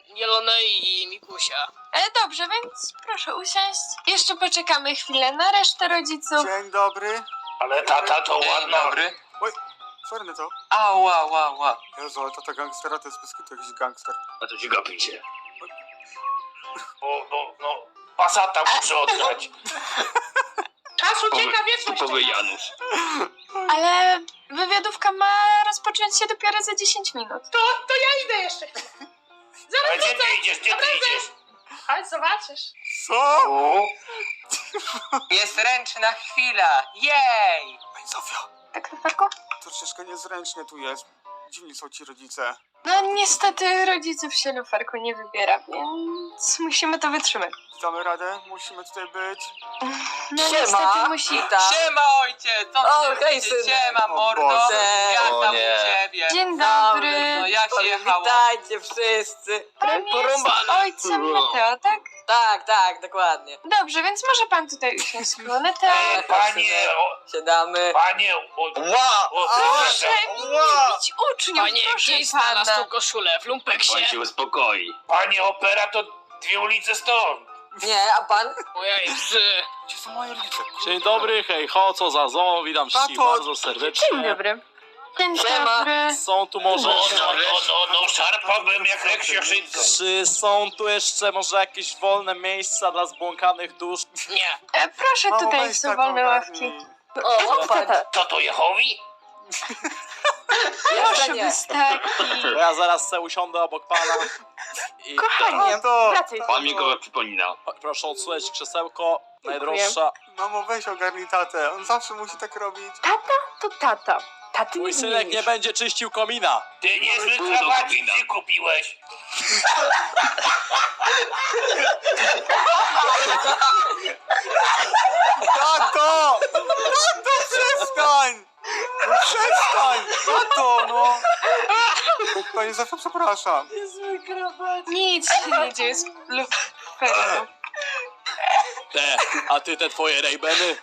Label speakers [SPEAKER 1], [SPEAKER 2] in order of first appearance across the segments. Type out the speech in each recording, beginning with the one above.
[SPEAKER 1] Jelonej i Mikusia.
[SPEAKER 2] Dobrze, więc proszę usiąść. Jeszcze poczekamy chwilę na resztę rodziców.
[SPEAKER 3] Dzień dobry.
[SPEAKER 4] Ale tata to ładna.
[SPEAKER 5] Dobry.
[SPEAKER 3] Oj, sorry na to.
[SPEAKER 5] Ała.
[SPEAKER 3] Jezu, ale tata gangstera to jest bez kitu jakiś gangster.
[SPEAKER 4] A to ci gapicie. No, pasata muszę oddać.
[SPEAKER 1] Czas ucieka, wieczność
[SPEAKER 4] Typowy
[SPEAKER 1] czeka.
[SPEAKER 4] Janusz.
[SPEAKER 2] Ale wywiadówka ma rozpocząć się dopiero za 10 minut.
[SPEAKER 1] To ja idę jeszcze.
[SPEAKER 4] A gdzie ty idziesz,
[SPEAKER 1] Chodź, zobaczysz.
[SPEAKER 3] Co?
[SPEAKER 4] O,
[SPEAKER 5] Jest ręczna chwila. Jej!
[SPEAKER 3] Pani Zofio,
[SPEAKER 2] Tak, Luferku?
[SPEAKER 3] troszeczkę niezręcznie tu jest. Dziwni są ci rodzice.
[SPEAKER 2] No niestety rodziców się Luferku nie wybiera, więc musimy to wytrzymać.
[SPEAKER 3] Damy radę? Musimy tutaj być.
[SPEAKER 2] No
[SPEAKER 6] Siema.
[SPEAKER 2] niestety musi.
[SPEAKER 5] Siema ojciec! Co
[SPEAKER 6] O,
[SPEAKER 5] ty
[SPEAKER 6] hej,
[SPEAKER 5] robicie?
[SPEAKER 6] synek.
[SPEAKER 5] Siema
[SPEAKER 3] O
[SPEAKER 5] mordo!
[SPEAKER 3] Boże.
[SPEAKER 5] Jak
[SPEAKER 6] O
[SPEAKER 5] tam
[SPEAKER 6] nie.
[SPEAKER 5] u ciebie?
[SPEAKER 2] Dzień
[SPEAKER 5] No
[SPEAKER 2] dobry.
[SPEAKER 5] jak się jechało?
[SPEAKER 6] Witajcie wszyscy.
[SPEAKER 2] Pan jest
[SPEAKER 4] porąbane.
[SPEAKER 2] ojcem Mateo, tak?
[SPEAKER 6] Tak, dokładnie.
[SPEAKER 2] Dobrze, więc może pan tutaj usiąść, Monetę.
[SPEAKER 4] panie,
[SPEAKER 6] Siadamy.
[SPEAKER 4] panie,
[SPEAKER 2] Proszę mi nie bić uczniów,
[SPEAKER 1] Panie,
[SPEAKER 2] proszę
[SPEAKER 1] gdzieś znalazł
[SPEAKER 2] pana.
[SPEAKER 1] tą koszulę w lumpeksie.
[SPEAKER 4] uspokoi. Panie, opera to 2 ulice stąd.
[SPEAKER 6] Nie, a pan?
[SPEAKER 1] Ojej, psy.
[SPEAKER 3] Gdzie są moi rodzice?
[SPEAKER 7] Dzień dobry, hej ho, co za zo, witam wszystkich
[SPEAKER 3] Tato.
[SPEAKER 7] bardzo serdecznie.
[SPEAKER 2] Dzień dobry. Dzień
[SPEAKER 6] Siema.
[SPEAKER 2] dobry.
[SPEAKER 7] Są tu może...
[SPEAKER 4] No, szarpałbym jak Reksioszyńca.
[SPEAKER 7] Czy są tu jeszcze może jakieś wolne miejsca dla zbłąkanych dusz?
[SPEAKER 1] Nie.
[SPEAKER 2] Proszę,
[SPEAKER 3] Mamo,
[SPEAKER 2] tutaj
[SPEAKER 3] weź
[SPEAKER 2] są
[SPEAKER 3] tato,
[SPEAKER 2] wolne
[SPEAKER 3] ogarnij.
[SPEAKER 2] ławki.
[SPEAKER 6] O, patrz.
[SPEAKER 4] Co to Jehowi?
[SPEAKER 6] Jeszcze
[SPEAKER 2] Proszę,
[SPEAKER 6] nie.
[SPEAKER 2] wystaki.
[SPEAKER 7] To ja zaraz se usiądę obok pana i...
[SPEAKER 2] Kochanie,
[SPEAKER 3] Tato!
[SPEAKER 2] wracaj.
[SPEAKER 4] Pan mi go przypomina.
[SPEAKER 7] Proszę odsunąć krzesełko, najdroższa.
[SPEAKER 3] Mamo, weź ogarnij tatę. On zawsze musi tak robić.
[SPEAKER 2] To tata. Taty
[SPEAKER 7] Mój synek nie będzie czyścił komina.
[SPEAKER 4] Ty niezły krawacik się kupiłeś.
[SPEAKER 3] Tato! Tato, przestań! No przestań! Tato, no! Pani Zofio, przepraszam.
[SPEAKER 2] Nic się nie dzieje z Luferem.
[SPEAKER 7] A ty te twoje rejbeny?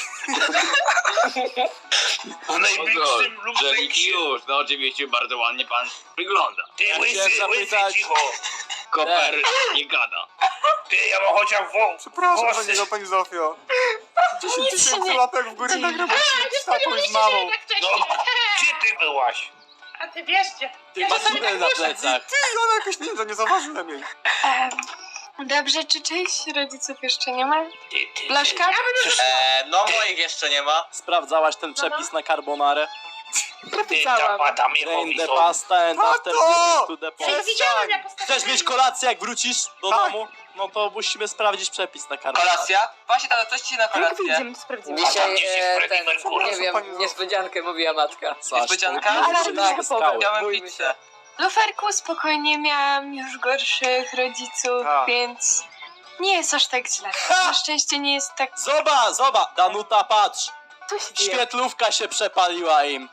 [SPEAKER 4] W najbliższym lumpeksie.
[SPEAKER 8] Już, no oczywiście bardzo ładnie pan wygląda.
[SPEAKER 4] Ty
[SPEAKER 7] Ja
[SPEAKER 4] łysy,
[SPEAKER 7] chciałem
[SPEAKER 4] łysy,
[SPEAKER 7] zapytać-
[SPEAKER 4] cicho.
[SPEAKER 8] Koper nie gada.
[SPEAKER 4] Ty, ja mam chociaż
[SPEAKER 3] Przepraszam
[SPEAKER 4] włosy.
[SPEAKER 3] pani Zofio. 10
[SPEAKER 2] Nic się
[SPEAKER 3] tysięcy
[SPEAKER 2] nie
[SPEAKER 3] łapek w górę
[SPEAKER 2] dzieje.
[SPEAKER 3] nagram odcinek z tatą i z mamą.
[SPEAKER 1] Jak
[SPEAKER 4] No,
[SPEAKER 1] wcześniej.
[SPEAKER 4] gdzie ty byłaś?
[SPEAKER 1] A ty wiesz gdzie.
[SPEAKER 7] Ty
[SPEAKER 1] Ja
[SPEAKER 7] masz
[SPEAKER 1] czasami
[SPEAKER 7] tunel na plecach.
[SPEAKER 3] Ty, ona jakoś nie zauważyłem jej.
[SPEAKER 2] Dobrze, czy część rodziców jeszcze nie ma?
[SPEAKER 4] Ty.
[SPEAKER 2] Blaszka?
[SPEAKER 5] No moich jeszcze nie ma.
[SPEAKER 7] Sprawdzałaś ten przepis na carbonarę?
[SPEAKER 4] Ty, tam
[SPEAKER 7] Rain
[SPEAKER 4] Jehowi
[SPEAKER 7] the
[SPEAKER 4] są.
[SPEAKER 7] pasta and
[SPEAKER 3] Tato!
[SPEAKER 7] after visit to the
[SPEAKER 1] Ja
[SPEAKER 7] port.
[SPEAKER 1] widziałem jak
[SPEAKER 7] Chcesz mieć kolację jak wrócisz do
[SPEAKER 3] Tak.
[SPEAKER 7] domu? No to musimy sprawdzić przepis na carbonarę.
[SPEAKER 5] Kolacja? Właśnie to coś ci na kolację.
[SPEAKER 4] A tam gdzieś jest Freddie Mercury.
[SPEAKER 6] nie wiem, niespodziankę mówiła matka.
[SPEAKER 7] Zaś,
[SPEAKER 5] Niespodzianka?
[SPEAKER 7] to
[SPEAKER 2] Ale
[SPEAKER 7] musimy
[SPEAKER 6] tak,
[SPEAKER 7] się skały.
[SPEAKER 5] Chciałem
[SPEAKER 6] Bójmy
[SPEAKER 5] pizzę.
[SPEAKER 2] Luferku, spokojnie, miałam już gorszych rodziców,
[SPEAKER 3] Tak.
[SPEAKER 2] więc nie jest aż tak źle. Na szczęście nie jest tak...
[SPEAKER 7] Zobacz, Danuta, patrz!
[SPEAKER 2] Co się dzieje?
[SPEAKER 7] Świetlówka się przepaliła im.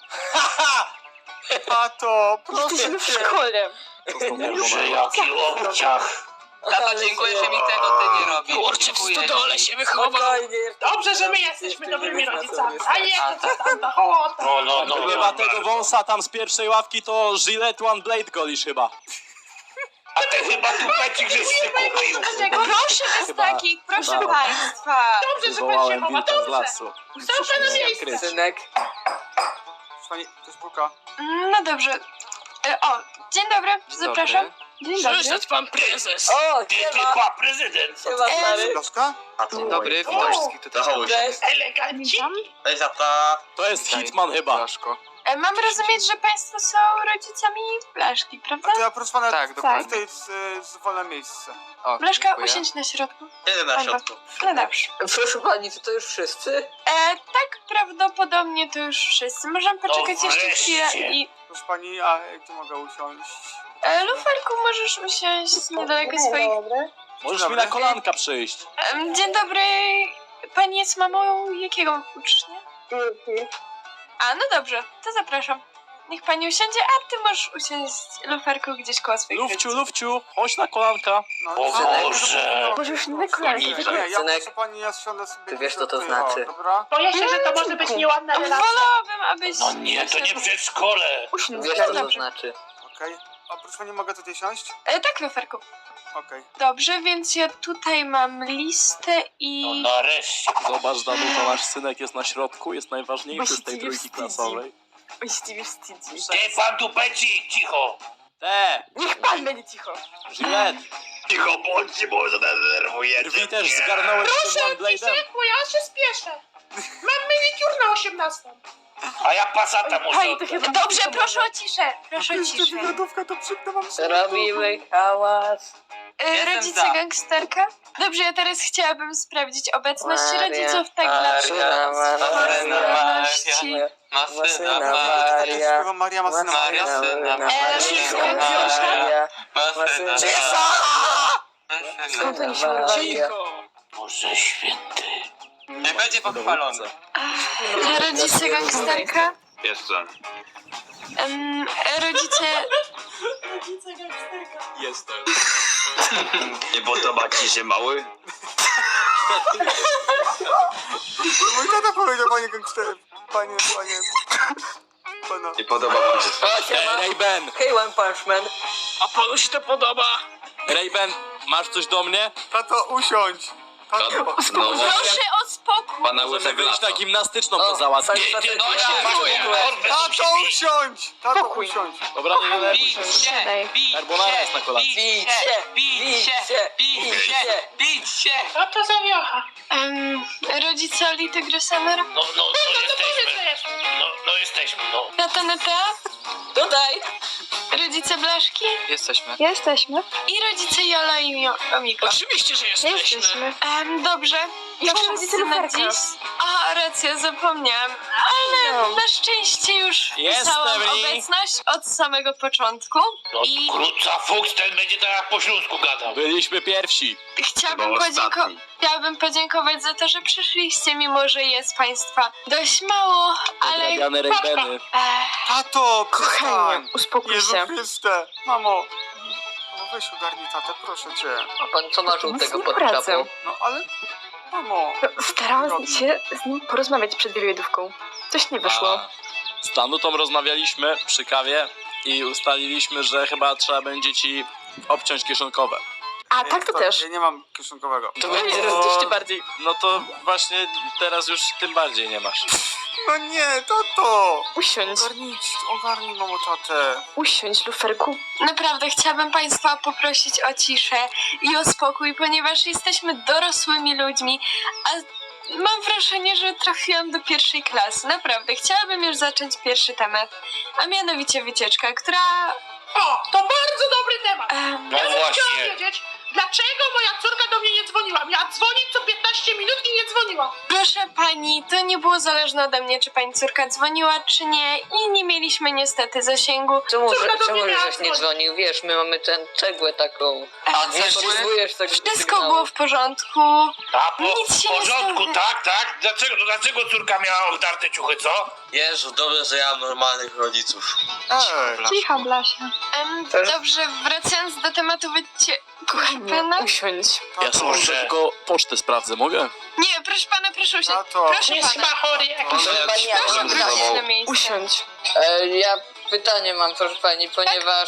[SPEAKER 3] Tato, proszę
[SPEAKER 2] Jesteśmy w
[SPEAKER 3] cię.
[SPEAKER 2] szkole.
[SPEAKER 4] Że jaki obciach.
[SPEAKER 5] Tato, dziękuję, że mi tego ty nie robisz.
[SPEAKER 1] Kurczę, w
[SPEAKER 5] Dziękuję.
[SPEAKER 1] stodole się wychował.
[SPEAKER 6] Spokojnie.
[SPEAKER 1] Dobrze, że my jesteśmy
[SPEAKER 6] Jeszcze
[SPEAKER 1] dobrymi
[SPEAKER 6] nie
[SPEAKER 1] rodzicami.
[SPEAKER 6] wracam,
[SPEAKER 1] A nie, to tam ta hołota.
[SPEAKER 4] No.
[SPEAKER 7] Chyba tego wąsa tam z pierwszej ławki to Gillette One Blade golisz chyba.
[SPEAKER 4] A ty chyba tupecik żeś się kupił.
[SPEAKER 2] Proszę wystaki, proszę
[SPEAKER 7] Chyba.
[SPEAKER 2] państwa.
[SPEAKER 1] Dobrze, że pan się
[SPEAKER 7] Wywołałem
[SPEAKER 1] chowa,
[SPEAKER 7] wilka z
[SPEAKER 1] dobrze.
[SPEAKER 7] lasu.
[SPEAKER 1] Są pana miejsce.
[SPEAKER 6] Synek.
[SPEAKER 3] Pani, to jest buka.
[SPEAKER 2] No dobrze. Dzień dobry, zapraszam. Dzień dobry.
[SPEAKER 1] Przyszedł pan prezes.
[SPEAKER 6] O,
[SPEAKER 4] Ty,
[SPEAKER 6] siema.
[SPEAKER 4] prezydent.
[SPEAKER 6] Siema, stary.
[SPEAKER 3] Blaszka?
[SPEAKER 5] Dzień dobry, witam wszystkich tutaj.
[SPEAKER 6] Cześć.
[SPEAKER 1] Eleganci.
[SPEAKER 5] Cześć, tata.
[SPEAKER 7] To jest Hitman chyba.
[SPEAKER 2] Mam rozumieć, że państwo są rodzicami Blaszki, prawda?
[SPEAKER 3] A to ja proszę pana,
[SPEAKER 6] Tak,
[SPEAKER 2] dokładnie.
[SPEAKER 3] tutaj jest wolne miejsce.
[SPEAKER 2] Blaszka, usiądź na środku.
[SPEAKER 5] Jeden na środku.
[SPEAKER 2] No dobrze.
[SPEAKER 6] Proszę pani, czy to już wszyscy?
[SPEAKER 2] Tak, prawdopodobnie to już wszyscy. Możemy poczekać
[SPEAKER 4] No
[SPEAKER 2] jeszcze chwilę
[SPEAKER 4] wreszcie.
[SPEAKER 2] i...
[SPEAKER 3] Proszę pani, a gdzie mogę usiąść?
[SPEAKER 2] Luferku, możesz usiąść niedaleko swoich...
[SPEAKER 7] Możesz mi na kolanka przyjść.
[SPEAKER 2] Dzień dobry. Pani jest mamą jakiego ucznia? A, no dobrze, to zapraszam. Niech pani usiądzie, a ty możesz usiąść, Luferku, gdzieś koło swoich
[SPEAKER 7] Lufciu, chodź na kolanka.
[SPEAKER 3] No,
[SPEAKER 4] O Boże.
[SPEAKER 2] Może już na kolanie.
[SPEAKER 3] Nie, ja
[SPEAKER 6] Synek,
[SPEAKER 3] proszę pani, ja siądę sobie...
[SPEAKER 6] ty wiesz, co to
[SPEAKER 3] tutaj,
[SPEAKER 6] znaczy.
[SPEAKER 3] O, dobra?
[SPEAKER 1] Boję się, że to może być nieładna relacja.
[SPEAKER 2] Wolałabym, abyś...
[SPEAKER 4] No nie, to nie przedszkole.
[SPEAKER 6] Wiesz, co to
[SPEAKER 2] Dobrze.
[SPEAKER 6] znaczy.
[SPEAKER 3] Okej. oprócz mnie mogę tutaj siąść?
[SPEAKER 2] Tak, Luferku.
[SPEAKER 3] Okej.
[SPEAKER 2] Dobrze, więc ja tutaj mam listę i...
[SPEAKER 8] Nareszcie.
[SPEAKER 7] Zobacz, Danuta, nasz synek jest na środku, jest najważniejszy z tej
[SPEAKER 6] Właściwie
[SPEAKER 7] trójki
[SPEAKER 6] wstydzi.
[SPEAKER 7] klasowej.
[SPEAKER 6] Właściwie wstydzi.
[SPEAKER 8] Ty, pan tupeci, cicho.
[SPEAKER 6] Niech pan będzie cicho.
[SPEAKER 7] Juliet,
[SPEAKER 8] Cicho bądźcie, bo zadenerwujecie.
[SPEAKER 7] drwi też
[SPEAKER 8] mnie.
[SPEAKER 7] zgarnąłeś tym One Blade'em.
[SPEAKER 1] Bo ja się spieszę. Mam manicure na 18.
[SPEAKER 8] A ja pasata muszę.
[SPEAKER 6] Pani to chyba...
[SPEAKER 2] Dobrze, proszę o ciszę. Proszę o
[SPEAKER 3] Jeszcze
[SPEAKER 2] ciszę.
[SPEAKER 3] wywiadówka, to przyknę wam
[SPEAKER 6] Robimy hałas.
[SPEAKER 5] Jestem
[SPEAKER 2] Rodzice
[SPEAKER 5] za.
[SPEAKER 2] gangsterka? Dobrze, ja teraz chciałabym sprawdzić obecność
[SPEAKER 6] Maria,
[SPEAKER 2] rodziców tak dla...
[SPEAKER 5] Maria,
[SPEAKER 2] Formalności.
[SPEAKER 5] Ma syna
[SPEAKER 6] Maria.
[SPEAKER 3] Śpiewa Maria ma syna
[SPEAKER 5] Maria,
[SPEAKER 3] Maria.
[SPEAKER 5] syna
[SPEAKER 2] Maria.
[SPEAKER 6] Maria.
[SPEAKER 5] Ma syna
[SPEAKER 6] Skąd oni się urwali?
[SPEAKER 8] Boże święty.
[SPEAKER 5] Nie będzie pochwalony.
[SPEAKER 2] Rodzice gangsterka?
[SPEAKER 8] Jestem.
[SPEAKER 2] Rodzice...
[SPEAKER 7] Jestem.
[SPEAKER 8] Nie podoba ci się mały?
[SPEAKER 3] Mój tata powiedział, panie gangster. Panie. Pana.
[SPEAKER 8] Nie podoba wam się
[SPEAKER 7] Ray-Ben,
[SPEAKER 6] Hej, One Punch Man.
[SPEAKER 8] A panu się to podoba?
[SPEAKER 7] Ray-Ben, masz coś do mnie?
[SPEAKER 3] Tato, usiądź. Tato.
[SPEAKER 8] No
[SPEAKER 2] Proszę o spokój!
[SPEAKER 8] pana
[SPEAKER 7] Możemy
[SPEAKER 8] łysek
[SPEAKER 7] wyjść na
[SPEAKER 8] lato.
[SPEAKER 7] gimnastyczną to załatwić.
[SPEAKER 8] No się czuję.
[SPEAKER 3] Tato, usiądź. Tato, usiądź.
[SPEAKER 7] Dobra, nie denerwuj się. Carbonara jest na kolacji.
[SPEAKER 5] Bić się!
[SPEAKER 1] Co to za wiocha?
[SPEAKER 2] Rodzice Olity Grysamer?
[SPEAKER 8] No jesteśmy, no.
[SPEAKER 2] Nataneta?
[SPEAKER 6] Tutaj.
[SPEAKER 2] Rodzice Blaszki?
[SPEAKER 5] Jesteśmy.
[SPEAKER 2] Jesteśmy. I rodzice Jola i Omika.
[SPEAKER 8] Oczywiście, że jesteśmy.
[SPEAKER 2] Dobrze.
[SPEAKER 6] Jak
[SPEAKER 2] Wszyscy
[SPEAKER 6] rodzice
[SPEAKER 2] na
[SPEAKER 6] Luferka?
[SPEAKER 2] dziś. A, racja, zapomniałam. Ale na szczęście już pisałam
[SPEAKER 7] Jestem, Ri.
[SPEAKER 2] obecność od samego początku.
[SPEAKER 8] No
[SPEAKER 2] I
[SPEAKER 8] krótca fuks, ten będzie tak po śląsku gadał.
[SPEAKER 7] Byliśmy pierwsi.
[SPEAKER 2] chciałabym podziękować za to, że przyszliście, mimo że jest państwa dość mało, ale...
[SPEAKER 7] Odrabiane Ray-Beny.
[SPEAKER 3] Tato, przestań.
[SPEAKER 6] Uspokój
[SPEAKER 3] Jezu
[SPEAKER 6] się.
[SPEAKER 3] Chryste. Mamo. No weź ogarnij tatę, proszę cię.
[SPEAKER 6] A pan co ma żółtego pod
[SPEAKER 9] Pracę.
[SPEAKER 6] czapą?
[SPEAKER 3] No ale... Mamo.
[SPEAKER 9] Starałam się z nim porozmawiać przed wywiadówką. Coś nie wyszło.
[SPEAKER 7] Z Danutą rozmawialiśmy przy kawie i ustaliliśmy, że chyba trzeba będzie ci obciąć kieszonkowe.
[SPEAKER 9] A tak to też.
[SPEAKER 3] Ja nie mam kieszonkowego.
[SPEAKER 6] To
[SPEAKER 7] No
[SPEAKER 6] będzie
[SPEAKER 7] to-
[SPEAKER 6] rozliczcie bardziej.
[SPEAKER 7] No to właśnie teraz już tym bardziej nie masz.
[SPEAKER 3] No nie, tato.
[SPEAKER 9] Usiądź.
[SPEAKER 3] Ogarnij mamo tatę.
[SPEAKER 9] Usiądź, Luferku.
[SPEAKER 2] Naprawdę chciałabym państwa poprosić o ciszę i o spokój, ponieważ jesteśmy dorosłymi ludźmi, a mam wrażenie, że trafiłam do pierwszej klasy. Naprawdę, chciałabym już zacząć pierwszy temat, a mianowicie wycieczka, która...
[SPEAKER 1] O, to bardzo dobry temat.
[SPEAKER 8] No
[SPEAKER 1] Ja bym chciała
[SPEAKER 8] właśnie.
[SPEAKER 1] wiedzieć, dlaczego moja córka do mnie nie dzwoniła. Miała dzwonić co 15 minut i nie dzwoniła.
[SPEAKER 2] Proszę pani, to nie było zależne ode mnie, czy pani córka dzwoniła, czy nie i nie mieliśmy niestety zasięgu.
[SPEAKER 6] Czemu
[SPEAKER 1] Córka do mnie miała
[SPEAKER 6] żeś nie
[SPEAKER 1] dzwonić.
[SPEAKER 6] dzwonił? Wiesz, my mamy tę cegłę taką.
[SPEAKER 5] A
[SPEAKER 6] Nie potrzebujesz tego
[SPEAKER 2] Wszystko
[SPEAKER 6] sygnału.
[SPEAKER 2] było w porządku.
[SPEAKER 8] A
[SPEAKER 2] Nic się
[SPEAKER 8] w
[SPEAKER 2] nie
[SPEAKER 8] porządku,
[SPEAKER 2] stało.
[SPEAKER 8] tak? Dlaczego córka miała obdarte ciuchy, co?
[SPEAKER 5] Jezu, dobrze, że ja mam normalnych rodziców.
[SPEAKER 9] Cicha, Blasia.
[SPEAKER 2] Dobrze, wracając do tematu pana.
[SPEAKER 9] Usiądź.
[SPEAKER 7] Ja sobie muszę tylko pocztę sprawdzę, mogę?
[SPEAKER 2] Nie, proszę pana, proszę usiąść.
[SPEAKER 3] Tato.
[SPEAKER 2] Proszę
[SPEAKER 1] Jest chyba
[SPEAKER 2] pana.
[SPEAKER 1] chory jakiś.
[SPEAKER 2] Proszę wrócić na miejsce.
[SPEAKER 9] Usiądź.
[SPEAKER 6] Ja pytanie mam, proszę pani, ponieważ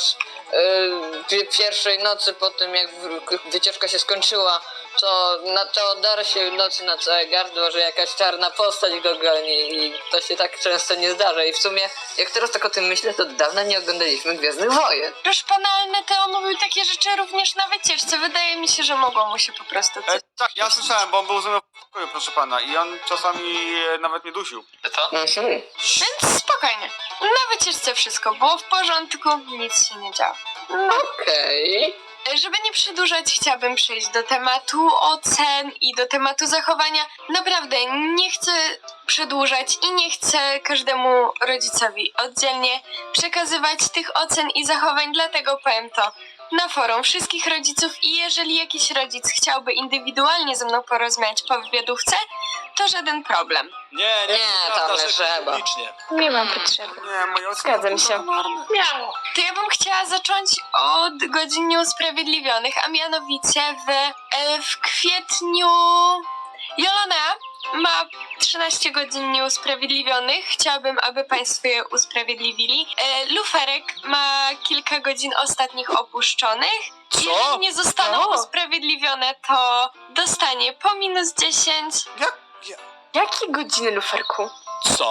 [SPEAKER 6] pierwszej nocy po tym, jak wycieczka się skończyła, to na dar się nocy na całe gardło, że jakaś czarna postać go goni i to się tak często nie zdarza. I w sumie, jak teraz tak o tym myślę, to dawno nie oglądaliśmy Gwiezdnych Wojen.
[SPEAKER 2] Proszę pana, ale Neteo mówił takie rzeczy również na wycieczce. Wydaje mi się, że mogło mu się po prostu coś...
[SPEAKER 3] Tak, ja słyszałem, bo on był ze mną w pokoju, proszę pana. I on czasami nawet mnie dusił.
[SPEAKER 5] Co?
[SPEAKER 2] Więc spokojnie. Na wycieczce wszystko było w porządku, nic się nie działo.
[SPEAKER 6] Okej.
[SPEAKER 2] Żeby nie przedłużać, chciałabym przejść do tematu ocen i do tematu zachowania. Naprawdę nie chcę przedłużać i nie chcę każdemu rodzicowi oddzielnie przekazywać tych ocen i zachowań, dlatego powiem to na forum wszystkich rodziców i jeżeli jakiś rodzic chciałby indywidualnie ze mną porozmawiać po wywiadówce, to żaden problem.
[SPEAKER 7] Nie,
[SPEAKER 6] tam
[SPEAKER 7] prawda,
[SPEAKER 6] nie
[SPEAKER 7] że
[SPEAKER 6] trzeba.
[SPEAKER 7] publicznie.
[SPEAKER 9] Nie mam potrzeby.
[SPEAKER 3] Nie, moje oceny
[SPEAKER 9] Zgadzam się.
[SPEAKER 1] Miało.
[SPEAKER 2] To ja bym chciała zacząć od godzin nieusprawiedliwionych, a mianowicie w kwietniu Jolona ma 13 godzin nieusprawiedliwionych. Chciałabym, aby państwo je usprawiedliwili. Luferek ma kilka godzin ostatnich opuszczonych.
[SPEAKER 7] Co?
[SPEAKER 2] Jeżeli nie zostaną
[SPEAKER 9] O.
[SPEAKER 2] usprawiedliwione, to dostanie po minus 10.
[SPEAKER 9] Jakie godziny, Luferku?
[SPEAKER 7] Co?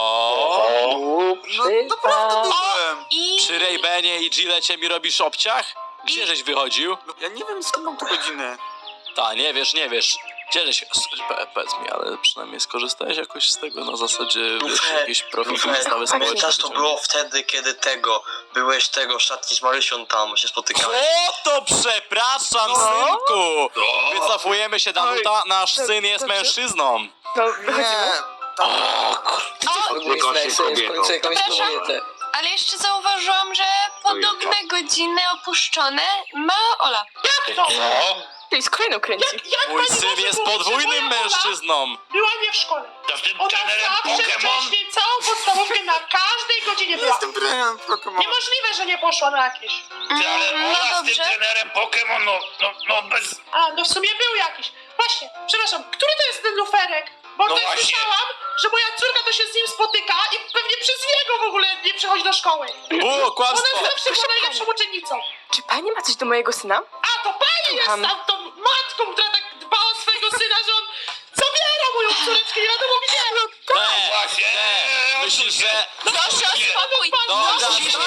[SPEAKER 3] No naprawdę byłem.
[SPEAKER 2] I
[SPEAKER 7] Przy Raybenie i Gillecie mi robisz obciach? Gdzie żeś wychodził?
[SPEAKER 3] Ja nie wiem skąd mam te godziny.
[SPEAKER 7] Ta, nie wiesz. Gdzie żeś... Powiedz mi, ale przynajmniej skorzystałeś jakoś z tego na zasadzie, wiesz, jakiś profil wystawy społecznej.
[SPEAKER 5] Pamiętasz, to było wtedy, kiedy byłeś w szatni z Marysią tam, się spotykałeś.
[SPEAKER 7] O, to przepraszam, synku! Wycofujemy się, Danuta, nasz syn jest
[SPEAKER 9] Dobrze.
[SPEAKER 7] mężczyzną.
[SPEAKER 9] No, wychodzimy.
[SPEAKER 3] Nie. Tam...
[SPEAKER 6] Znajdź sobie w końcu jakąś
[SPEAKER 2] Przepraszam?
[SPEAKER 6] kobietę.
[SPEAKER 2] Ale jeszcze zauważyłam, że podobne godziny opuszczone ma Ola.
[SPEAKER 1] Jak to?
[SPEAKER 9] Ty, z kolejną kręci.
[SPEAKER 1] Jak
[SPEAKER 7] Mój
[SPEAKER 1] pani
[SPEAKER 7] syn
[SPEAKER 1] może
[SPEAKER 7] jest
[SPEAKER 1] powiedzieć, że
[SPEAKER 7] podwójnym
[SPEAKER 1] moja Ola
[SPEAKER 7] mężczyzną.
[SPEAKER 1] Była nie w szkole.
[SPEAKER 8] To z tym
[SPEAKER 1] Ona
[SPEAKER 8] trenerem
[SPEAKER 1] zawsze
[SPEAKER 8] Pokémon?
[SPEAKER 1] wcześniej całą podstawówkę na każdej godzinie była.
[SPEAKER 3] Jestem trenerem Pokémon.
[SPEAKER 1] Niemożliwe, że nie poszła na jakieś.
[SPEAKER 8] Ty, ale
[SPEAKER 2] No
[SPEAKER 8] Ola z tym
[SPEAKER 2] dobrze.
[SPEAKER 8] trenerem Pokémon, no bez...
[SPEAKER 1] A, no w sumie był jakiś. Właśnie, przepraszam, który to jest ten luferek? Bo
[SPEAKER 8] No
[SPEAKER 1] też
[SPEAKER 8] właśnie.
[SPEAKER 1] słyszałam, że moja córka to się z nim spotyka i pewnie przez niego w ogóle nie przychodzi do szkoły.
[SPEAKER 7] Było
[SPEAKER 1] Ona
[SPEAKER 7] kłamstwo.
[SPEAKER 1] zawsze była najlepszą uczennicą.
[SPEAKER 9] Czy pani ma coś do mojego syna?
[SPEAKER 1] A, to pani jest
[SPEAKER 9] Słucham.
[SPEAKER 1] tam tą matką, która tak dba o swojego syna, że on zabiera moją córeczkę, nie wiadomo gdzie.
[SPEAKER 8] Właśnie,
[SPEAKER 7] Myślisz, że...
[SPEAKER 2] Proszę o spokój.
[SPEAKER 7] Dobra,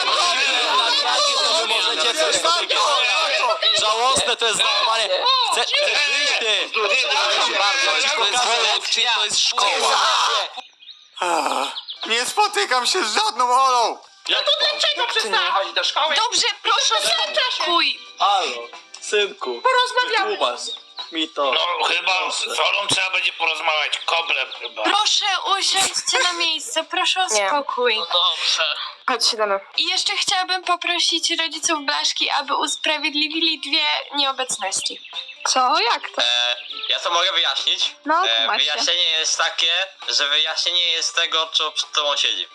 [SPEAKER 7] wy możecie coś sobie gadać. Żałosne to jest zachowanie. Chcesz wyjść ty? Przepraszam bardzo, to jest lekcja, to jest szkoła.
[SPEAKER 3] Nie spotykam się z żadną Olą.
[SPEAKER 7] Jak
[SPEAKER 1] To dlaczego przestała chodzić do szkoły?
[SPEAKER 2] Dobrze, proszę o spokój.
[SPEAKER 7] Halo, synku,
[SPEAKER 1] Porozmawiamy.
[SPEAKER 7] wytłumacz mi to.
[SPEAKER 8] No chyba z Olą trzeba będzie porozmawiać, koblem chyba.
[SPEAKER 2] Proszę usiądźcie na miejsce, proszę o
[SPEAKER 9] Nie.
[SPEAKER 2] spokój.
[SPEAKER 5] Dobrze.
[SPEAKER 9] Chodź, siadamy.
[SPEAKER 2] I jeszcze chciałabym poprosić rodziców Blaszki, aby usprawiedliwili 2 nieobecności.
[SPEAKER 9] Co? Jak to?
[SPEAKER 5] Ja to mogę wyjaśnić.
[SPEAKER 9] No, tłumacz się.
[SPEAKER 5] Wyjaśnienie jest takie, że wyjaśnienie jest tego, co przed tobą siedzi.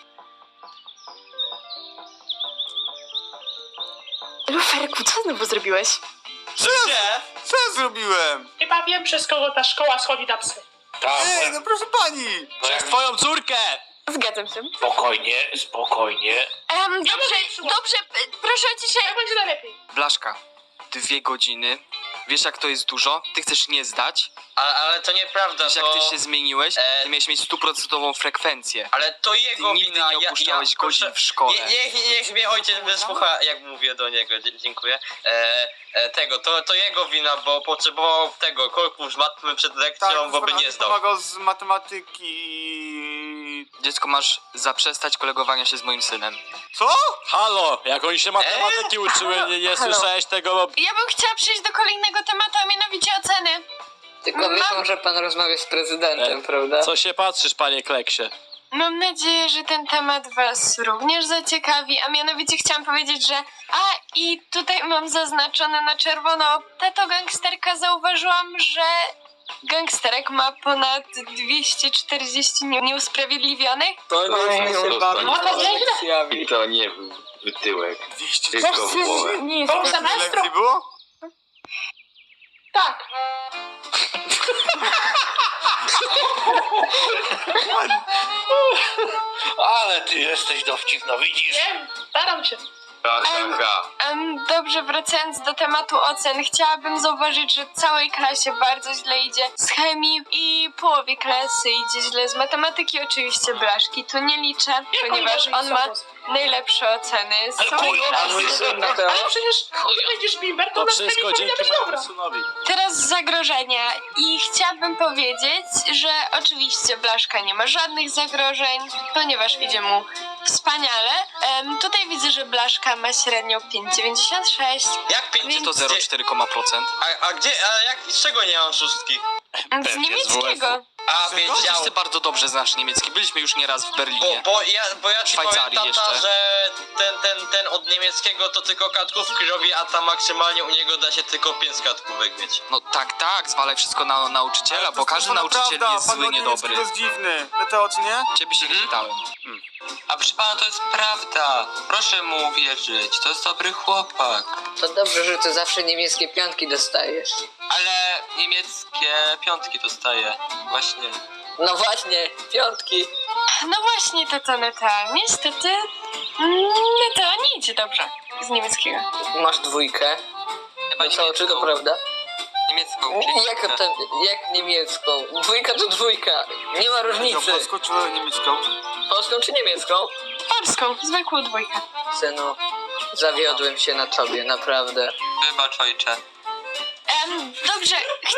[SPEAKER 9] Luferku, co znowu zrobiłeś?
[SPEAKER 7] Gdzie?
[SPEAKER 3] Co ja zrobiłem?
[SPEAKER 1] Chyba wiem, przez kogo ta szkoła schodzi na psy.
[SPEAKER 8] Tak,
[SPEAKER 3] No proszę pani.
[SPEAKER 7] Przez twoją córkę!
[SPEAKER 9] Zgadzam się.
[SPEAKER 8] spokojnie.
[SPEAKER 2] Dobrze, proszę o ciszę.
[SPEAKER 1] Jak będzie najlepiej?
[SPEAKER 10] Blaszka, 2 godziny. Wiesz jak to jest dużo? Ty chcesz nie zdać?
[SPEAKER 5] Ale to nieprawda,
[SPEAKER 10] Wiesz jak
[SPEAKER 5] to...
[SPEAKER 10] ty się zmieniłeś? Ty miałeś mieć 100% frekwencję.
[SPEAKER 5] Ale to
[SPEAKER 10] Ty
[SPEAKER 5] jego
[SPEAKER 10] nigdy
[SPEAKER 5] wina,
[SPEAKER 10] nie opuszczałeś godzin w szkole.
[SPEAKER 5] Niech mnie ojciec wysłucha, jak mówię do niego, dziękuję. To jego wina, bo potrzebował tego korku z matmy przed lekcją, bo by nie zdał.
[SPEAKER 3] Pomagał z matematyki.
[SPEAKER 10] Dziecko, masz zaprzestać kolegowania się z moim synem.
[SPEAKER 3] Co?
[SPEAKER 7] Halo, jak oni się matematyki uczyły, nie
[SPEAKER 9] Halo.
[SPEAKER 7] słyszałeś tego?
[SPEAKER 2] Ja bym chciała przejść do kolejnego tematu, a mianowicie oceny.
[SPEAKER 6] Tylko wiedzą, że pan rozmawia z prezydentem, prawda?
[SPEAKER 7] Co się patrzysz, panie Kleksie?
[SPEAKER 2] Mam nadzieję, że ten temat was również zaciekawi, a mianowicie chciałam powiedzieć, że... i tutaj mam zaznaczone na czerwono. Tato gangsterka, zauważyłam, że gangsterek ma ponad 240 nieusprawiedliwionych.
[SPEAKER 10] To
[SPEAKER 4] I to nie był wytyłek.
[SPEAKER 3] 200
[SPEAKER 4] Tylko w głowę.
[SPEAKER 9] Nie jest
[SPEAKER 1] Pół
[SPEAKER 9] to...
[SPEAKER 1] semestru?
[SPEAKER 3] lekcji było?
[SPEAKER 1] Tak.
[SPEAKER 8] Ale ty jesteś dowcipna, widzisz?
[SPEAKER 1] Wiem, staram się.
[SPEAKER 2] Dobrze, wracając do tematu ocen, chciałabym zauważyć, że całej klasie bardzo źle idzie z chemii i połowie klasy idzie źle z matematyki. Oczywiście Blaszki tu nie liczę,
[SPEAKER 1] Jak
[SPEAKER 2] ponieważ
[SPEAKER 1] oni
[SPEAKER 2] on ma najlepsze oceny z
[SPEAKER 8] Ale
[SPEAKER 2] całej
[SPEAKER 8] chuj,
[SPEAKER 2] klasy.
[SPEAKER 1] Ale przecież ty będziesz bimber, to
[SPEAKER 7] To
[SPEAKER 1] na
[SPEAKER 7] wszystko
[SPEAKER 1] chemii powinna
[SPEAKER 7] dzięki
[SPEAKER 1] być
[SPEAKER 7] mojemu
[SPEAKER 1] dobra.
[SPEAKER 7] synowi.
[SPEAKER 2] Teraz zagrożenia i chciałabym powiedzieć, że oczywiście Blaszka nie ma żadnych zagrożeń, ponieważ idzie mu wspaniale. Tutaj widzę, że Blaszka ma średnią 5,96.
[SPEAKER 5] Jak 5
[SPEAKER 10] To 0,4%.
[SPEAKER 5] z czego nie mam szóstki?
[SPEAKER 2] Z niemieckiego.
[SPEAKER 5] A,
[SPEAKER 10] Przecież ty
[SPEAKER 5] wiedział.
[SPEAKER 10] bardzo dobrze znasz niemiecki. Byliśmy już nieraz w Berlinie.
[SPEAKER 5] Bo ja ci powiem,
[SPEAKER 10] Szwajcarii
[SPEAKER 5] tata,
[SPEAKER 10] jeszcze.
[SPEAKER 5] że ten od niemieckiego to tylko kartkówki robi, a tam maksymalnie u niego da się tylko 5 kartkówek mieć.
[SPEAKER 10] No tak, zwalaj wszystko na nauczyciela, bo każdy nauczyciel jest zły, niedobry.
[SPEAKER 3] To jest dziwny. Na te oczy, nie?
[SPEAKER 10] Ciebie się nie pytałem.
[SPEAKER 5] A proszę pana, to jest prawda. Proszę mu uwierzyć, to jest dobry chłopak.
[SPEAKER 6] To dobrze, że ty zawsze niemieckie piątki dostajesz.
[SPEAKER 5] Ale niemieckie piątki dostaję. Właśnie.
[SPEAKER 6] No właśnie, piątki.
[SPEAKER 2] No właśnie, tata Neta. Niestety, Neta nie idzie dobrze z niemieckiego.
[SPEAKER 6] Masz dwójkę.
[SPEAKER 5] Chyba
[SPEAKER 6] No czy to prawda?
[SPEAKER 5] Niemiecką.
[SPEAKER 6] Jak niemiecką? Dwójka to dwójka. Nie ma
[SPEAKER 3] Co,
[SPEAKER 6] różnicy.
[SPEAKER 3] polską czy niemiecką?
[SPEAKER 6] Polską czy niemiecką?
[SPEAKER 2] Polską, zwykłą dwójkę.
[SPEAKER 6] Synu, zawiodłem się na tobie, naprawdę.
[SPEAKER 5] Wybacz, ojcze.
[SPEAKER 2] Dobrze.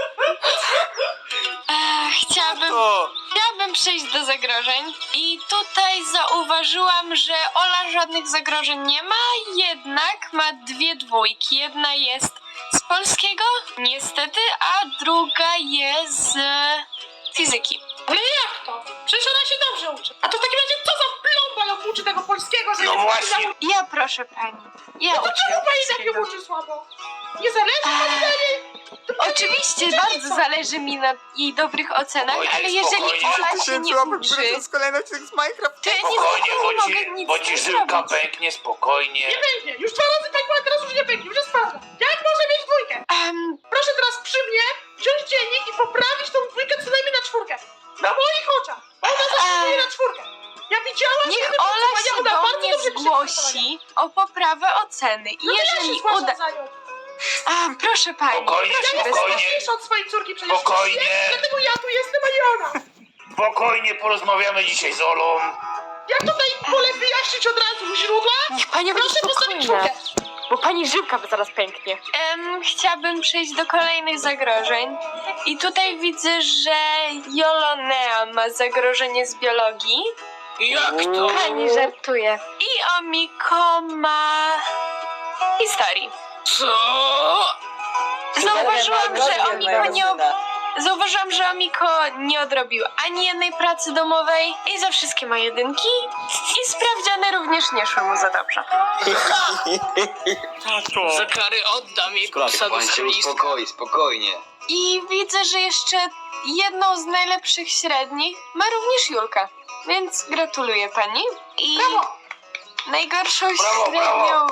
[SPEAKER 2] Chciałabym przejść do zagrożeń i tutaj zauważyłam, że Ola żadnych zagrożeń nie ma, jednak ma dwie dwójki. Jedna jest z polskiego, niestety, a druga jest z fizyki.
[SPEAKER 1] Ale jak to? Przecież ona się dobrze uczy. A to w takim razie co za plomba ją uczy tego polskiego, że
[SPEAKER 8] No właśnie.
[SPEAKER 2] Ja proszę pani, ja uczę
[SPEAKER 1] Czemu pani tak
[SPEAKER 2] polskiego.
[SPEAKER 1] ją uczy słabo? Nie zależy pani na niej?
[SPEAKER 2] Oczywiście bardzo zależy mi na jej dobrych ocenach,
[SPEAKER 8] Oj,
[SPEAKER 2] ale jeżeli
[SPEAKER 8] spokojnie.
[SPEAKER 2] Ola się nie uczy,
[SPEAKER 3] To jest kolejny odcinek z Minecraft.
[SPEAKER 2] to ja
[SPEAKER 8] Spokojnie,
[SPEAKER 2] nie mogę nic
[SPEAKER 8] bo ci
[SPEAKER 2] z tym
[SPEAKER 8] żyłka
[SPEAKER 2] zrobić.
[SPEAKER 8] pęknie, spokojnie.
[SPEAKER 1] Nie pęknie. Już 2 razy pękła, a teraz już nie pęknie. Już jest twarda. Jak może mieć dwójkę? Proszę teraz przy mnie wziąć dziennik i poprawić tą dwójkę co najmniej na 4. Na moich oczach. Ona zasługuje na 4. Ja widziałam, że
[SPEAKER 2] Niech
[SPEAKER 1] jednym
[SPEAKER 2] Ola
[SPEAKER 1] pracowania
[SPEAKER 2] się
[SPEAKER 1] ona
[SPEAKER 2] do
[SPEAKER 1] bardzo
[SPEAKER 2] mnie
[SPEAKER 1] dobrze pisze przygotowania.
[SPEAKER 2] zgłosi o poprawę oceny. I
[SPEAKER 1] No to ja się
[SPEAKER 2] jeżeli
[SPEAKER 1] zgłaszam
[SPEAKER 2] uda...
[SPEAKER 1] za nią.
[SPEAKER 2] Proszę pani.
[SPEAKER 8] Spokojnie,
[SPEAKER 1] Ja jestem
[SPEAKER 8] spokojnie.
[SPEAKER 1] ważniejsza od swojej córki przecież.
[SPEAKER 8] Spokojnie.
[SPEAKER 1] Dlatego ja tu jestem, a nie ona.
[SPEAKER 8] Spokojnie porozmawiamy dzisiaj z Olą.
[SPEAKER 1] Jak tutaj wolę wyjaśnić od razu u źródła?
[SPEAKER 9] Niech pani będzie
[SPEAKER 1] Proszę postawić
[SPEAKER 9] spokojna,
[SPEAKER 1] 4.
[SPEAKER 9] bo pani żyłka zaraz pęknie.
[SPEAKER 2] Chciałabym przejść do kolejnych zagrożeń. I tutaj widzę, że Jolonea ma zagrożenie z biologii.
[SPEAKER 6] Jak to?
[SPEAKER 9] Pani żartuje.
[SPEAKER 2] I Omiko ma historii.
[SPEAKER 6] Co?
[SPEAKER 2] Zauważyłam, że Omiko nie odrobił ani jednej pracy domowej i za wszystkie ma jedynki i sprawdziany również nie szły mu za dobrze.
[SPEAKER 6] Za karę oddam jego psa do schroniska.
[SPEAKER 5] spokojnie.
[SPEAKER 2] I widzę, że jeszcze jedną z najlepszych średnich ma również Julka. Więc gratuluję pani. I najgorszą
[SPEAKER 8] Brawo,
[SPEAKER 2] średnią...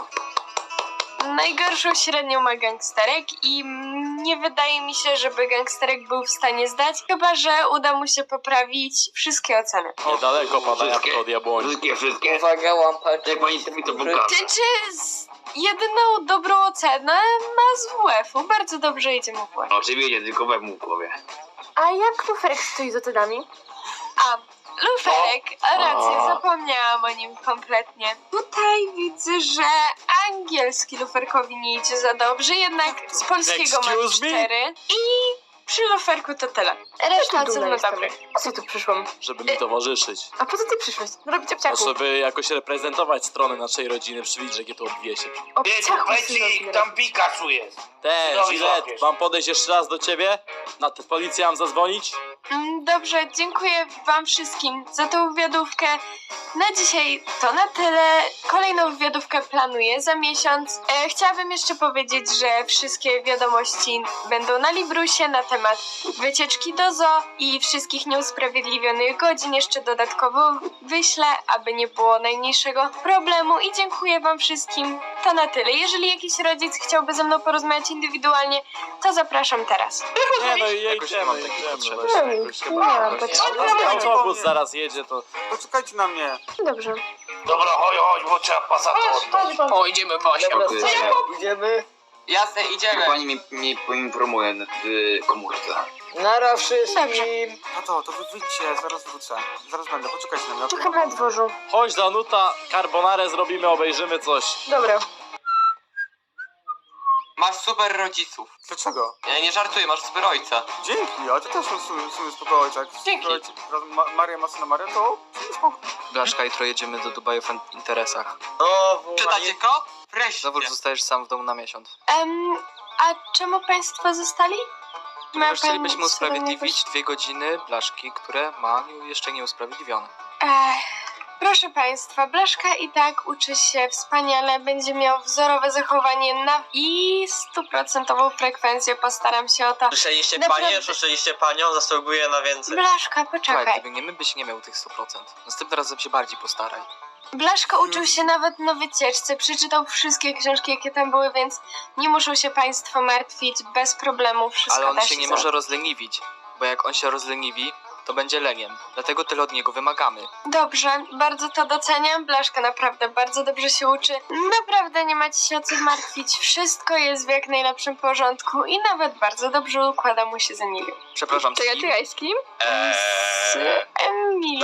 [SPEAKER 2] Najgorszą średnią ma gangsterek i nie wydaje mi się, żeby gangsterek był w stanie zdać, chyba że uda mu się poprawić wszystkie oceny.
[SPEAKER 7] Niedaleko pada jabłko od jabłoni.
[SPEAKER 5] Wszystkie.
[SPEAKER 6] Uwaga, łampać.
[SPEAKER 5] Jak pani mi to pokaże.
[SPEAKER 2] Jedyną dobrą ocenę ma z WF-u. Bardzo dobrze idzie mu w WF.
[SPEAKER 5] Oczywiście, tylko we mu w głowie.
[SPEAKER 9] A jak luferek stoi z ocenami?
[SPEAKER 2] A, luferek, rację, zapomniałam o nim kompletnie. Tutaj widzę, że angielski luferkowi nie idzie za dobrze, jednak z polskiego ma
[SPEAKER 7] Excuse me?
[SPEAKER 2] 4 i przy luferku to tyle. Reszta ocen ma dobrych.
[SPEAKER 9] Po co tu przyszłam?
[SPEAKER 7] Żeby mi towarzyszyć.
[SPEAKER 9] A po co ty przyszłeś? Robić
[SPEAKER 7] No,
[SPEAKER 9] obciachu.
[SPEAKER 7] żeby jakoś reprezentować stronę naszej rodziny, przywidzieć, jakie to odwiesie.
[SPEAKER 9] Obciachu
[SPEAKER 8] Powiedz ich, tam Pikachu jest.
[SPEAKER 7] Te,
[SPEAKER 8] No,
[SPEAKER 7] Gilet,
[SPEAKER 8] złapiesz.
[SPEAKER 7] mam podejść jeszcze raz do ciebie? Na tę policję mam zadzwonić?
[SPEAKER 2] Dobrze, dziękuję wam wszystkim za tą wywiadówkę. Na dzisiaj to na tyle. Kolejną wywiadówkę planuję za miesiąc. Chciałabym jeszcze powiedzieć, że wszystkie wiadomości będą na Librusie na temat wycieczki do zoo i wszystkich nieusprawiedliwionych godzin jeszcze dodatkowo wyślę, aby nie było najmniejszego problemu i dziękuję wam wszystkim. To na tyle. Jeżeli jakiś rodzic chciałby ze mną porozmawiać indywidualnie, to zapraszam teraz.
[SPEAKER 7] Nie no i
[SPEAKER 10] Jakoś nie mam
[SPEAKER 7] idziemy,
[SPEAKER 10] takiej
[SPEAKER 7] idziemy.
[SPEAKER 10] potrzeby.
[SPEAKER 9] Nie,
[SPEAKER 10] Jakoś
[SPEAKER 9] nie
[SPEAKER 10] chyba
[SPEAKER 9] miałam
[SPEAKER 10] jakoś-
[SPEAKER 9] potrzeby.
[SPEAKER 7] Autobus zaraz jedzie, to...
[SPEAKER 3] Poczekajcie na mnie.
[SPEAKER 9] Dobrze.
[SPEAKER 8] Dobra, chodź, bo trzeba pasa to oddać.
[SPEAKER 6] O, idziemy Basia.
[SPEAKER 10] Idziemy?
[SPEAKER 5] Jasne, idziemy.
[SPEAKER 10] Pani mi poinformuje w komórce.
[SPEAKER 6] Nara wszystkim.
[SPEAKER 3] To wy wyjdźcie, zaraz wrócę. Zaraz będę, poczekajcie na mnie. okej?
[SPEAKER 9] Czekam na dworzu.
[SPEAKER 7] Chodź Danuta, carbonarę zrobimy, obejrzymy coś.
[SPEAKER 9] Dobra.
[SPEAKER 5] Masz super rodziców.
[SPEAKER 3] Dlaczego?
[SPEAKER 5] Ja nie żartuję, masz super ojca.
[SPEAKER 3] Dzięki, a ty też masz w sumie spoko ojca.
[SPEAKER 5] Dzięki.
[SPEAKER 3] Maria ma syna Marię, to spoko.
[SPEAKER 10] Blaszka, jutro jedziemy do Dubaju w interesach.
[SPEAKER 5] Czytacie ko? Wreszcie.
[SPEAKER 10] Zawód zostajesz sam w domu na miesiąc.
[SPEAKER 2] A czemu państwo zostali?
[SPEAKER 10] Ponieważ chcielibyśmy
[SPEAKER 2] co do
[SPEAKER 10] usprawiedliwić 2 godziny Blaszki, które ma jeszcze nieusprawiedliwione.
[SPEAKER 2] Proszę państwa, Blaszka i tak uczy się wspaniale, będzie miał wzorowe zachowanie i 100% frekwencję, postaram się o to.
[SPEAKER 5] Słyszeliście
[SPEAKER 2] Naprawdę.
[SPEAKER 5] panie? Słyszeliście panią? Zasługuje na więcej.
[SPEAKER 2] Blaszka,
[SPEAKER 10] Słuchaj,
[SPEAKER 2] poczekaj.
[SPEAKER 10] gdyby nie my, byś nie miał tych 100%. Następnym razem się bardziej postaraj.
[SPEAKER 2] Blaszko uczył się nawet na wycieczce, przeczytał wszystkie książki, jakie tam były, więc nie muszą się państwo martwić, bez problemu wszystko
[SPEAKER 10] Ale on
[SPEAKER 2] da
[SPEAKER 10] się nie
[SPEAKER 2] zrobić.
[SPEAKER 10] może rozleniwić, bo jak on się rozleniwi, to będzie leniem. Dlatego tyle od niego wymagamy.
[SPEAKER 2] Dobrze, bardzo to doceniam. Blaszka naprawdę bardzo dobrze się uczy. Naprawdę nie macie się o co martwić. Wszystko jest w jak najlepszym porządku i nawet bardzo dobrze układa mu się z Emilią.
[SPEAKER 10] Przepraszam, z kim?
[SPEAKER 9] Czekaj, z kim?
[SPEAKER 2] Z Emilią.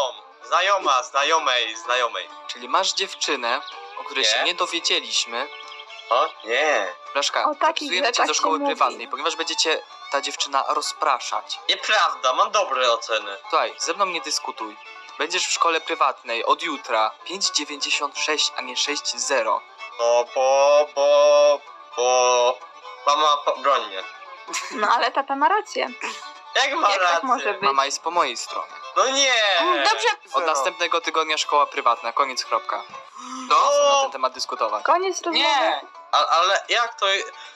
[SPEAKER 5] Znajomej.
[SPEAKER 10] Czyli masz dziewczynę, o której
[SPEAKER 5] Nie.
[SPEAKER 10] się nie dowiedzieliśmy.
[SPEAKER 5] O, nie.
[SPEAKER 10] Blaszka,
[SPEAKER 9] O takich
[SPEAKER 10] zapisujemy cię
[SPEAKER 9] rzeczach
[SPEAKER 10] do
[SPEAKER 9] się
[SPEAKER 10] szkoły
[SPEAKER 9] mówi.
[SPEAKER 10] prywatnej, ponieważ będziecie ta dziewczyna rozpraszać.
[SPEAKER 5] Nieprawda, mam dobre oceny.
[SPEAKER 10] Słuchaj, ze mną nie dyskutuj. Będziesz w szkole prywatnej od jutra 5,96, a nie 6,0.
[SPEAKER 5] No bo... Mama broń mnie.
[SPEAKER 9] No ale tata ma rację.
[SPEAKER 5] Jak ma
[SPEAKER 9] Jak
[SPEAKER 5] rację?
[SPEAKER 9] tak może być?
[SPEAKER 10] Mama jest po mojej stronie.
[SPEAKER 5] No nie!
[SPEAKER 2] Dobrze,
[SPEAKER 10] Od następnego tygodnia szkoła prywatna, koniec, kropka.
[SPEAKER 5] No!
[SPEAKER 10] Na ten temat dyskutować.
[SPEAKER 9] Koniec rozmowy.
[SPEAKER 5] Nie! Ale jak to...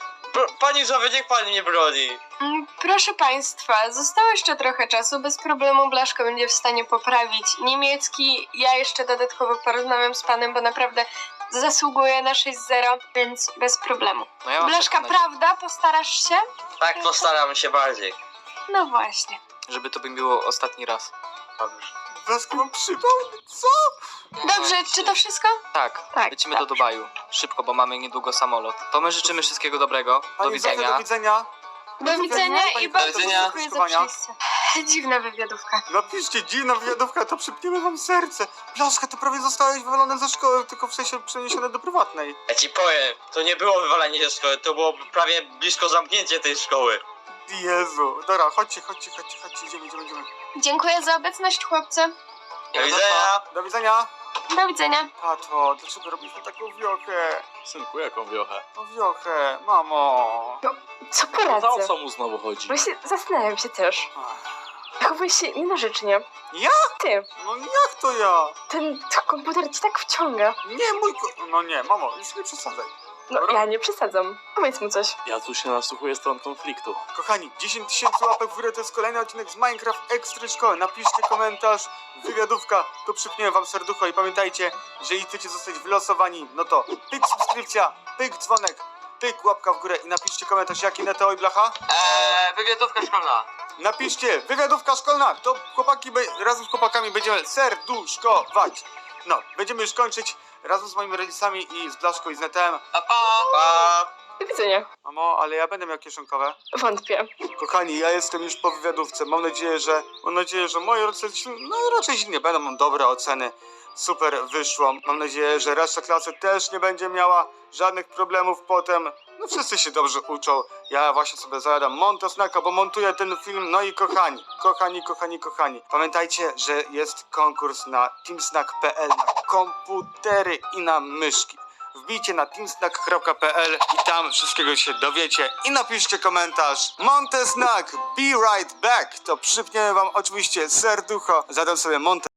[SPEAKER 5] Pani Żowie, niech pani mnie broni.
[SPEAKER 2] Proszę państwa, zostało jeszcze trochę czasu. Bez problemu Blaszko będzie w stanie poprawić niemiecki. Ja jeszcze dodatkowo porozmawiam z panem, bo naprawdę zasługuje na 6-0, więc bez problemu.
[SPEAKER 10] No ja mam
[SPEAKER 2] Blaszka,
[SPEAKER 10] przekonać,
[SPEAKER 2] prawda? Postarasz się?
[SPEAKER 5] Tak, postaram się bardziej.
[SPEAKER 2] No właśnie.
[SPEAKER 10] żeby to by było ostatni raz.
[SPEAKER 5] Dobrze.
[SPEAKER 3] Blaszka mam przypał? Co?
[SPEAKER 2] Dobrze, czy to wszystko?
[SPEAKER 10] Tak,
[SPEAKER 9] Tak,
[SPEAKER 10] lecimy
[SPEAKER 9] tak.
[SPEAKER 10] do Dubaju. Szybko, bo mamy niedługo samolot. To my życzymy wszystkiego dobrego. Do
[SPEAKER 3] Pani Zofia,
[SPEAKER 10] widzenia.
[SPEAKER 3] do widzenia.
[SPEAKER 2] Do widzenia
[SPEAKER 3] Pani
[SPEAKER 2] i bardzo
[SPEAKER 3] profesor,
[SPEAKER 2] dziękuję za
[SPEAKER 3] skrzyżowania.
[SPEAKER 2] przyjście. Dziwna wywiadówka.
[SPEAKER 3] Napiszcie, dziwna wywiadówka, to przypniemy wam serce. Blaszka, ty prawie zostałeś wywalony ze szkoły, tylko w sensie przeniesiony do prywatnej.
[SPEAKER 5] Ja ci powiem, to nie było wywalenie ze szkoły, to było prawie blisko zamknięcie tej szkoły.
[SPEAKER 3] Jezu. Dobra, chodźcie, idziemy.
[SPEAKER 2] Dziękuję za obecność, chłopcy.
[SPEAKER 5] Do widzenia.
[SPEAKER 3] Do widzenia.
[SPEAKER 2] Do widzenia.
[SPEAKER 3] Tato, dlaczego robiliśmy taką wiochę?
[SPEAKER 7] Synku, jaką wiochę?
[SPEAKER 3] No wiochę, mamo.
[SPEAKER 9] Co
[SPEAKER 7] Za
[SPEAKER 9] poradzę?
[SPEAKER 7] co mu znowu chodzi?
[SPEAKER 9] Właśnie zastanawiam się też. Zachowujesz się nienarzecznie.
[SPEAKER 3] Ja?
[SPEAKER 9] Ty,
[SPEAKER 3] No jak to ja?
[SPEAKER 9] ten komputer ci tak wciąga.
[SPEAKER 3] Nie, No nie, mamo, już nie przesadzaj.
[SPEAKER 9] No ja nie przesadzam. Powiedz mu coś.
[SPEAKER 7] Ja tu się nasłuchuję stron konfliktu.
[SPEAKER 3] Kochani, 10 000 łapek w górę to jest kolejny odcinek z Minecraft Extra Szkoły. Napiszcie komentarz, wywiadówka, to przypniemy wam serducho i pamiętajcie, że jeśli chcecie zostać wylosowani, no to pyk subskrypcja, pyk dzwonek, pyk łapka w górę i napiszcie komentarz, jaki Neteo i Blacha.
[SPEAKER 5] Wywiadówka szkolna.
[SPEAKER 3] Napiszcie, wywiadówka szkolna, to chłopaki, razem z chłopakami będziemy serduszkować. No, będziemy już kończyć razem z moimi rodzicami i z Blaszką i z Netem.
[SPEAKER 5] Pa!
[SPEAKER 9] Do widzenia.
[SPEAKER 3] Mamo, ale ja będę miał kieszonkowe.
[SPEAKER 9] Wątpię.
[SPEAKER 3] Kochani, ja jestem już po wywiadówce. Mam nadzieję, że moje rodzice raczej źle nie będą, mam dobre oceny. Super wyszło. Mam nadzieję, że reszta klasy też nie będzie miała żadnych problemów potem. No wszyscy się dobrze uczą. Ja właśnie sobie zajadam Montesnacka, bo montuję ten film. No i kochani. Pamiętajcie, że jest konkurs na teamsnack.pl na komputery i na myszki. Wbijcie na teamsnack.pl i tam wszystkiego się dowiecie i napiszcie komentarz Montesnack, be right back. To przypniemy wam oczywiście serducho. Zadam sobie